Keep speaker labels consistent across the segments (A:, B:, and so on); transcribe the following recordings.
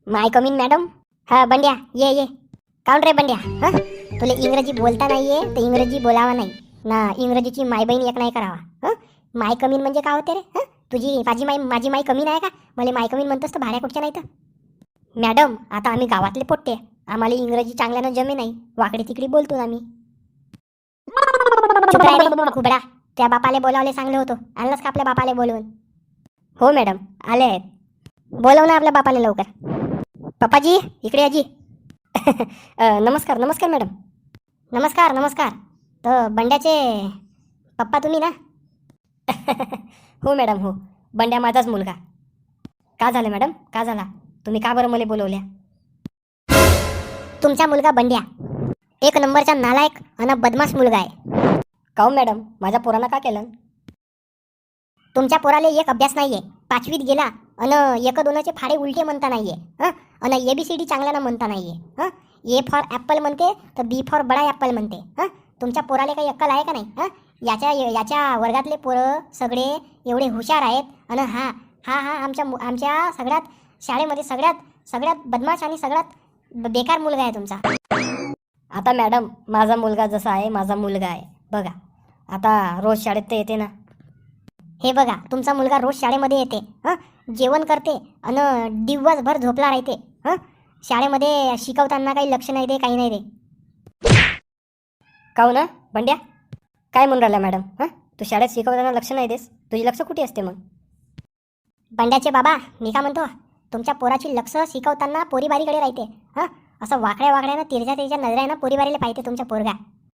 A: माय कमीन madam. हा बंड्या ये ये. काऊन रे बंड्या, हा तुला इंग्रजी बोलता नाहीये तर इंग्रजी बोलावा नाही ना. इंग्रजीची माय बहीण एक नाही करावा. हं माय कमीन म्हणजे काय होते रे? तुझी माझी माय कमीन आहे का? मला माय कमीन म्हणतोस तर भाड्या कुठच्या नाही तर. मॅडम आता आम्ही गावातले पोट्टे, आम्हाला इंग्रजी चांगल्यानं जमे नाही, वाकडे तिकडे बोलतो आम्ही. चुप राह रे खुबडा. त्या बापाले बोलावले सांगले होतो, आणलंच का आपल्या बापाले बोलवून? हो मॅडम आले आहेत. बोलव ना आपल्या बापाले लवकर. पप्पाजी इकडे आजी. नमस्कार नमस्कार मॅडम. नमस्कार नमस्कार. तर बंड्याचे पप्पा तुम्ही ना? हो मॅडम हो, बंड्या माझाच मुलगा. का झालं मॅडम, का झाला? तुम्ही का बरं मला बोलवल्या? तुमचा मुलगा बंड्या एक नंबरचा नालायक आणि बदमाश मुलगा आहे. काऊन मॅडम, माझ्या पोरानं का केलं? तुमच्या पोराले एक अभ्यास नाहीये, 5वीत गेला आणि एक दोनाचे फाडे उलटे म्हणता नाहीये. आणि ABCD चांगल्यानं म्हणता नाहीये. ए फॉर ॲपल म्हणते तर बी फॉर बडा ॲपल म्हणते. तुमच्या पोराले काही अक्कल आहे का नाही? याच्या वर्गातले पोरं सगळे एवढे हुशार आहेत आणि हा हा हा आमच्या सगळ्यात शाळेमध्ये सगळ्यात बदमाश आणि सगळ्यात बेकार मुलगा आहे तुमचा. आता मॅडम माझा मुलगा जसा आहे, माझा मुलगा आहे बघा. आता रोज शाळेत तर येते ना. हे बघा तुमचा मुलगा रोज शाळेमध्ये येते, जेवण करते आणि दिवसभर झोपला राहते. शाळेमध्ये शिकवताना काही लक्ष नाही दे, काही नाही दे. काऊ ना बंड्या, काय म्हणून राहिला मॅडम? तू शाळेत शिकवताना लक्ष नाही देस, तुझी लक्ष कुठे असते मग? बंड्याचे बाबा मी का म्हणतो, तुमच्या पोराची लक्ष शिकवताना पोरीबारीकडे राहते. असं वाकड्या वाकड्यानं तिरच्या नजरेनं पोरीबारीला पाहिजे तुमच्या पोरगा.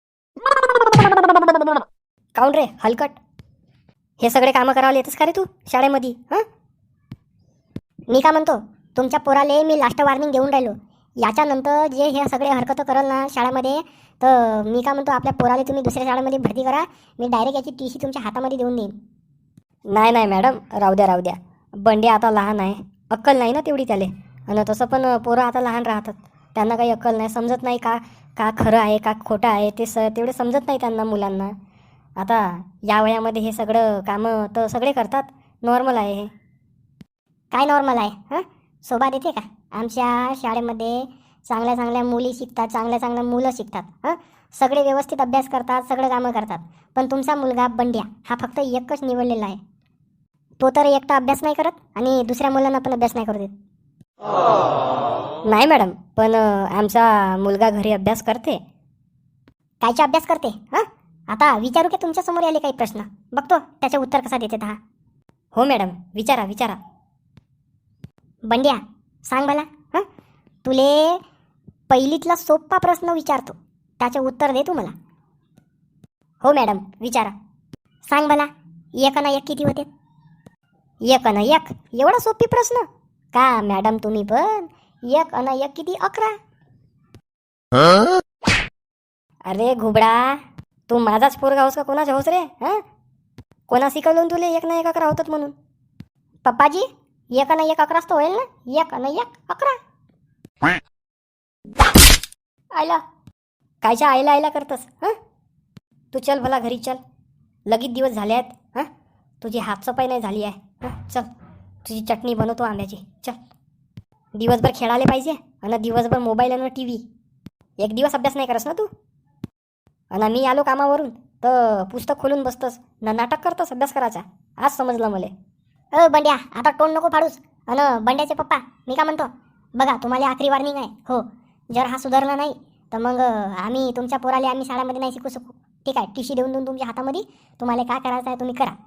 A: काऊन रे हलकट, हे सगळे कामं करायला येतच का रे तू शाळेमध्ये? मी का म्हणतो, तुमच्या पोराले मी लास्ट वॉर्निंग देऊन राहिलो. याच्यानंतर जे हे सगळे हरकतं करल ना शाळेमध्ये, तर मी का म्हणतो आपल्या पोराले तुम्ही दुसऱ्या शाळेमध्ये भरती करा. मी डायरेक्ट याची TC तुमच्या हातामध्ये देऊन देईन. नाही नाही मॅडम, राहू द्या. बंडे आता लहान आहे, अक्कल नाही ना तेवढी त्याले. आणि तसं पण पोरं आता लहान राहतात, त्यांना काही अक्कल नाही, समजत नाही का का खरं आहे का खोटं आहे ते तेवढे समजत नाही त्यांना मुलांना. आता या वयामध्ये हे सगळं कामं तर सगळे करतात, नॉर्मल आहे हे. काय नॉर्मल आहे? शोभा देते का? आमच्या शाळेमध्ये चांगल्या मुली शिकतात, चांगल्या मुलं शिकतात. सगळे व्यवस्थित अभ्यास करतात, सगळं कामं करतात. पण तुमचा मुलगा बंड्या हा फक्त एकच निवडलेला आहे. तो तर एकटा अभ्यास नाही करत आणि दुसऱ्या मुलांना पण अभ्यास नाही करू देत. नाही मॅडम, पण आमचा मुलगा घरी अभ्यास करते. कायचा अभ्यास करते? आता विचारू की तुमच्या समोर आले काही प्रश्न, बघतो त्याचे उत्तर कसा देते हा. हो मॅडम विचारा. बंड्या सांग मला, तुले पहिलीतला सोपा प्रश्न विचारतो, त्याचे उत्तर दे तू मला. हो मॅडम विचारा. सांग मला, 1 आणि 1 किती होते? 1 आणि 1 एवढा सोपी प्रश्न का मॅडम? तुम्ही पण 1 आणि 1 किती? 11. अरे घुबडा, तू माझाच पोरगा होस का कोणाचा होस रे? कोणा शिकवलं तुले 1 आणि 1 11 होतात म्हणून? पप्पाजी 1 आणि 1 11 तर होईल ना. 1 आणि 1 11. आयला कायच्या आयला करतस? तू चल भला घरी चल, लगेच दिवस झाले आहेत. तुझी हातसफाई नाही झाली आहे. चल तुझी चटणी बनवतो आंब्याची. चल, दिवसभर खेळायला पाहिजे आणि दिवसभर मोबाईल आणि TV. एक दिवस अभ्यास नाही करस ना तू? आणि मी आलो कामावरून तर पुस्तक खोलून बसतस ना नाटक करतस अभ्यास करायचा. आज समजलं मला. बंड्या आता तोंड नको फाडूस. आणि बंड्याचे पप्पा मी का म्हणतो, बघा तुम्हाला आखरी वॉर्निंग आहे. हो, जर हा सुधारला नाही तर मग आम्ही तुमच्या पोराला शाळेमध्ये नाही शिकू शकू. ठीक आहे, TC देऊन तुमच्या हातामध्ये, तुम्हाला काय करायचं आहे तुम्ही करा.